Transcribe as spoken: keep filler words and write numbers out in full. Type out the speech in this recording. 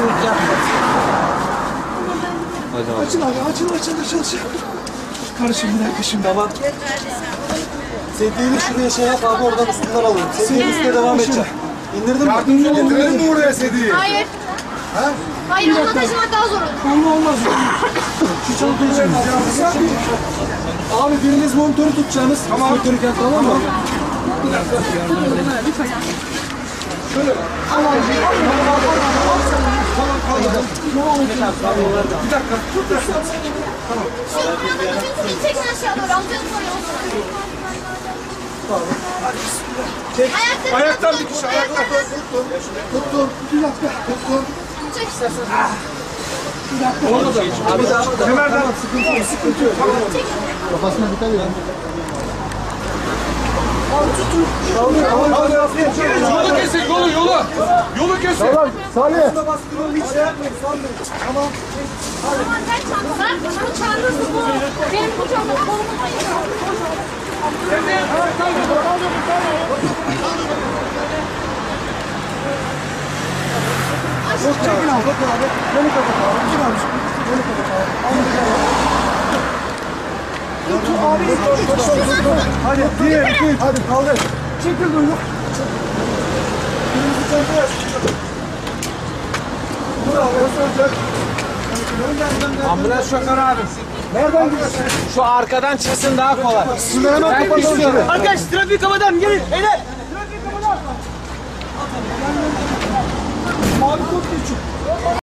Gevezelik yapma. Hadi Açın abi, açın, açın, açın, açın. Karışın bir dakika şimdi. Tamam. Sedyeyi şuraya şey yap abi, oradan üstünden alalım. Sedyenin üstüne devam edeceğim. İndirdin mi? Yardımcı getirelim mi oraya sedyeyi? Hayır. Ha? Hayır, onu taşımak daha zor olur. Onunla olmaz. Şu çantayı şimdi. Abi biriniz monitörü tutacaksınız. Tamam. Monitörü tamam mı? Şöyle. Tamam. Tamam, kaldı. Bir dakika. Tut da. Tamam. Şu yanına bütün çekin aşağı doğru. Amcanın oraya olsun. Çek. Ayaklarını Ayaktan tutun. bir kişi. Ayaktan tutun. Tuttum. Bir dakika. Tuttum. Çek. Abi daha da. Kemerden. Sıkıntı yok. Sıkıntı yok. Tamam. Kafasına dikkat edin. Abi tutun. Yolu kesin, yolu, yolu. Yolu kesin. Tamam. Salih. Bastıralım, hiç şey yapmayın. Salih. Tamam. Tamam, sen çantalar. Bu çantası bu. Benim bu çantam kolumu ayırıyor. Yok, çekin abi. Bakın abi. Beni kapat abi. Kim abi? Beni kapat abi. Abi. Abi. Hadi. Bir, iki, hadi kaldır. Çekil duyduk. Kırmızı çantaya. Dur abi. Nasıl olacak? Ambulans şoförü abi. Nereden gidiyorsun? Şu arkadan çıksın daha kolay. Şimdi hemen kapatalım şöyle. Arkadaş trafik kapatalım gelin. Beyler. Mavi kod geçiyor.